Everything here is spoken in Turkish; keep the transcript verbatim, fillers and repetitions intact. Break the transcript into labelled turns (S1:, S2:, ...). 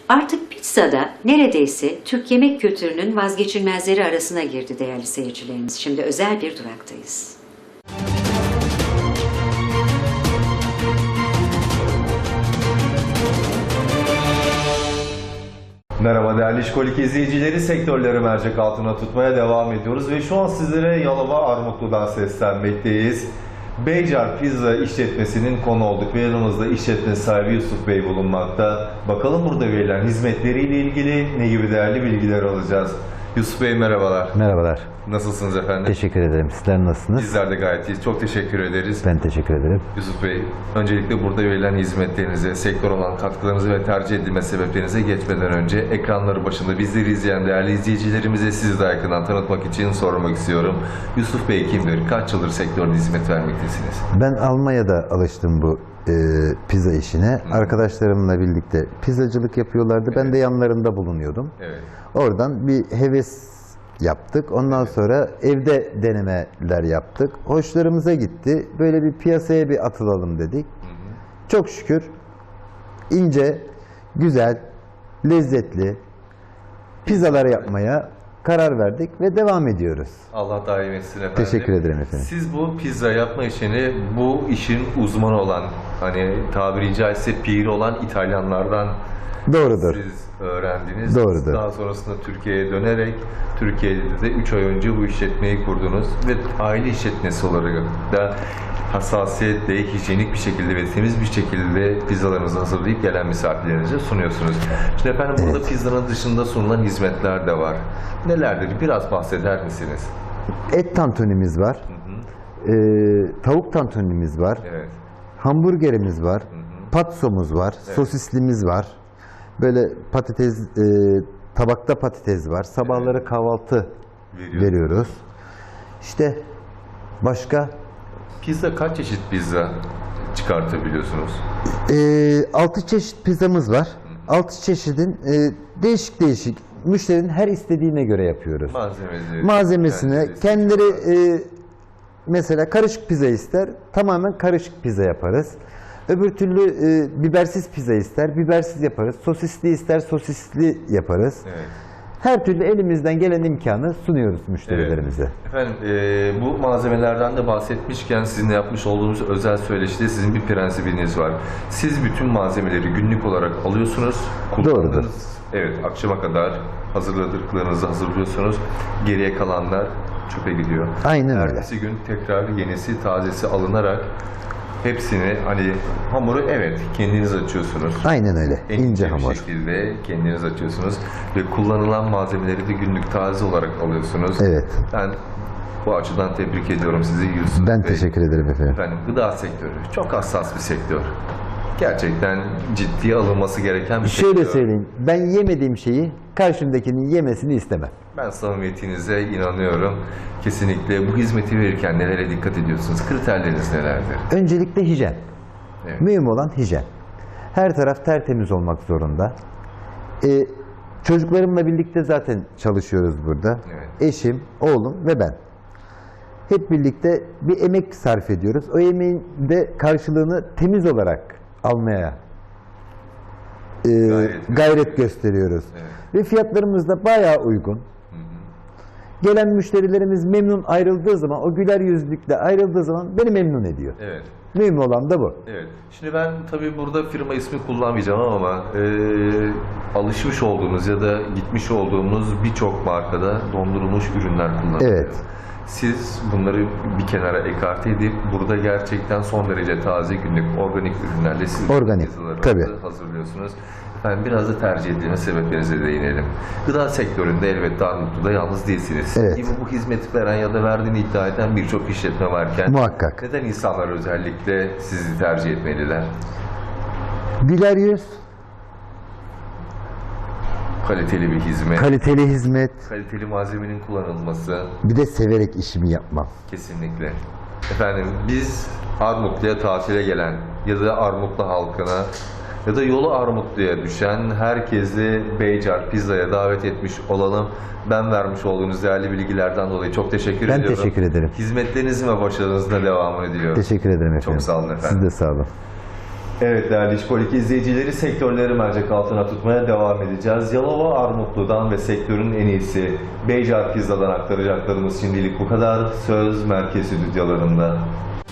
S1: Artık pizza da neredeyse Türk yemek kültürünün vazgeçilmezleri arasına girdi değerli seyircilerimiz. Şimdi özel bir duraktayız.
S2: Merhaba değerli İşkolik izleyicileri, sektörleri mercek altına tutmaya devam ediyoruz ve şu an sizlere Yalova Armutlu'dan seslenmekteyiz. Beycar Pizza işletmesinin konu olduk ve yanımızda işletme sahibi Yusuf Bey bulunmakta. Bakalım burada verilen hizmetleriyle ilgili ne gibi değerli bilgiler alacağız. Yusuf Bey merhabalar.
S3: Merhabalar.
S2: Nasılsınız efendim?
S3: Teşekkür ederim. Sizler nasılsınız?
S2: Bizler de gayet iyiyiz. Çok teşekkür ederiz.
S3: Ben teşekkür ederim.
S2: Yusuf Bey, öncelikle burada verilen hizmetlerinize, sektör olan katkılarınızı ve tercih edilme sebeplerinize geçmeden önce ekranları başında bizleri izleyen değerli izleyicilerimize sizi daha yakından tanıtmak için sormak istiyorum. Yusuf Bey kimdir? Kaç yıldır sektörde hizmet vermektesiniz?
S3: Ben Almanya'da alıştım bu e, pizza işine. Hı. Arkadaşlarımla birlikte pizzacılık yapıyorlardı. Evet. Ben de yanlarında bulunuyordum. Evet. Oradan bir heves yaptık. Ondan evet. sonra evde denemeler yaptık. Hoşlarımıza gitti. Böyle bir piyasaya bir atılalım dedik. Hı hı. Çok şükür ince, güzel, lezzetli pizzalar yapmaya karar verdik ve devam ediyoruz.
S2: Allah daim etsin efendim.
S3: Teşekkür ederim efendim.
S2: Siz bu pizza yapma işini, bu işin uzmanı olan, hani tabiri caizse piri olan İtalyanlardan
S3: Doğrudur.
S2: siz öğrendiniz.
S3: Doğrudur.
S2: Daha sonrasında Türkiye'ye dönerek, Türkiye'de de üç ay önce bu işletmeyi kurdunuz ve aile işletmesi olarak da hassasiyetle, hijyenik bir şekilde ve temiz bir şekilde pizzalarınızı hazırlayıp gelen misafirlerinize sunuyorsunuz. Şimdi efendim burada evet. pizzanın dışında sunulan hizmetler de var. Nelerdir? Biraz bahseder misiniz? Et tantunimiz var. Hı hı. Ee, tavuk tantunimiz var. Evet. Hamburgerimiz var. Hı hı. Patsomuz var. Evet. Sosislimiz var. Böyle patates, e, tabakta patates var. Sabahları evet. kahvaltı Veriyor. veriyoruz. İşte başka? Pizza kaç çeşit pizza çıkartabiliyorsunuz?
S3: E, altı çeşit pizzamız var. Hı. altı çeşidin e, değişik değişik. Müşterinin her istediğine göre yapıyoruz.
S2: Malzemesi.
S3: Malzemesine kendileri e, mesela karışık pizza ister, tamamen karışık pizza yaparız. Öbür türlü e, bibersiz pizza ister, bibersiz yaparız. Sosisli ister, sosisli yaparız. Evet. Her türlü elimizden gelen imkanı sunuyoruz müşterilerimize. Evet.
S2: Efendim e, bu malzemelerden de bahsetmişken sizinle yapmış olduğunuz özel söyleşide sizin bir prensibiniz var. Siz bütün malzemeleri günlük olarak alıyorsunuz, kullandığınız. Doğrudur. Evet, akşama kadar hazırladıklarınızı hazırlıyorsunuz. Geriye kalanlar çöpe gidiyor.
S3: Aynen öyle.
S2: Ertesi gün tekrar yenisi, tazesi alınarak hepsini, hani hamuru evet kendiniz açıyorsunuz.
S3: Aynen öyle.
S2: En
S3: ince
S2: bir
S3: hamur.
S2: şekilde kendiniz açıyorsunuz ve kullanılan malzemeleri de günlük taze olarak alıyorsunuz.
S3: Evet.
S2: Ben bu açıdan tebrik ediyorum sizi Yusuf
S3: Ben
S2: Bey.
S3: teşekkür ederim efendim.
S2: Efendim gıda sektörü çok hassas bir sektör. Gerçekten ciddiye alınması gereken bir
S3: Şöyle
S2: sektör.
S3: söyleyeyim, ben yemediğim şeyi karşımdakinin yemesini istemem.
S2: Ben samimiyetinize inanıyorum. Kesinlikle bu hizmeti verirken nelere dikkat ediyorsunuz? Kriterleriniz nelerdir?
S3: Öncelikle hijyen.
S2: Evet.
S3: Mühim olan hijyen. Her taraf tertemiz olmak zorunda. Ee, çocuklarımla birlikte zaten çalışıyoruz burada. Evet. Eşim, oğlum ve ben. Hep birlikte bir emek sarf ediyoruz. O emeğin de karşılığını temiz olarak almaya e, gayret, gayret gösteriyoruz. Evet. Ve fiyatlarımız da bayağı uygun. Hı hı. Gelen müşterilerimiz memnun ayrıldığı zaman, o güler yüzlükle ayrıldığı zaman beni memnun ediyor. Evet. Mühim olan da bu.
S2: Evet. Şimdi ben tabii burada firma ismi kullanmayacağım ama e, alışmış olduğumuz ya da gitmiş olduğumuz birçok markada dondurulmuş ürünler kullanılıyor. Evet. Siz bunları bir kenara ekarte edip burada gerçekten son derece taze günlük organik ürünlerle siz
S3: organik tabii
S2: hazırlıyorsunuz. Efendim biraz da tercih edilme sebeplerinize değinelim. Gıda sektöründe elbette Armutlu'da yalnız değilsiniz. Evet. Gibi bu hizmeti veren ya da verdiğini iddia eden birçok işletme varken
S3: muhakkak.
S2: Neden insanlar özellikle sizi tercih etmeliler?
S3: Güler yüz.
S2: Kaliteli bir hizmet.
S3: Kaliteli hizmet.
S2: Kaliteli malzemenin kullanılması.
S3: Bir de severek işimi yapmam.
S2: Kesinlikle. Efendim biz Armutlu'ya tatile gelen ya da Armutlu halkına ya da yolu Armutlu'ya düşen herkesi Beycar Pizza'ya davet etmiş olalım. Ben vermiş olduğunuz değerli bilgilerden dolayı çok teşekkür
S3: ben
S2: ediyorum.
S3: Ben teşekkür ederim.
S2: Hizmetlerinizin ve başarınızın da devamını diliyorum.
S3: Teşekkür ederim efendim.
S2: Çok sağ olun efendim.
S3: Siz de sağ olun.
S2: Evet değerli İşkolik izleyicileri, sektörleri mercek altına tutmaya devam edeceğiz. Yalova Armutlu'dan ve sektörün en iyisi Beycar Pizza'dan aktaracaklarımız şimdilik bu kadar. Söz merkez stüdyolarında.